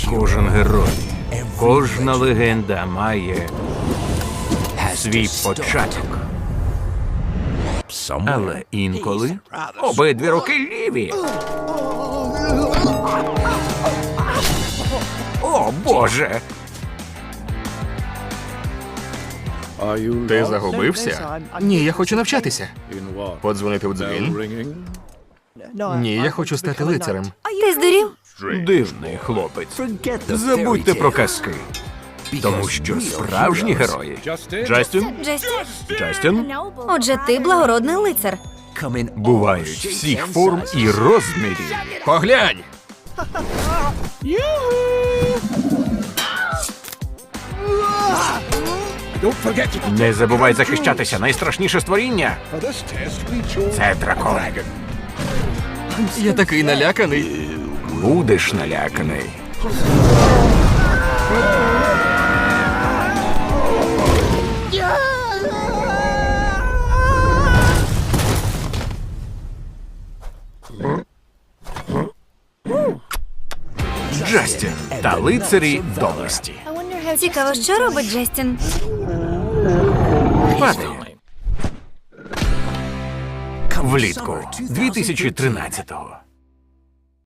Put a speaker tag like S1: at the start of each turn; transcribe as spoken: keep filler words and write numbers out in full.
S1: Кожен герой, кожна легенда має свій початок. Але інколи обидві руки ліві. О, Боже!
S2: Ти загубився? Ні, я хочу навчатися. Подзвонити в дзвін? Ні, я хочу стати лицарем.
S3: Ти здурів?
S1: Дивний хлопець. Забудьте про казки. Тому що справжні герої... Джастін?
S3: Джесті?
S1: Джастін?
S3: Отже, ти благородний лицар.
S1: Бувають всіх форм і розмірів.
S2: Поглянь!
S1: Не забувай захищатися. Найстрашніше створіння – це дракон.
S2: Я такий наляканий.
S1: Будеш наляканий. Джастін та лицарі доблесті.
S3: Цікаво, що робить Джастін?
S1: Падає. Влітку дві тисячі тринадцятого.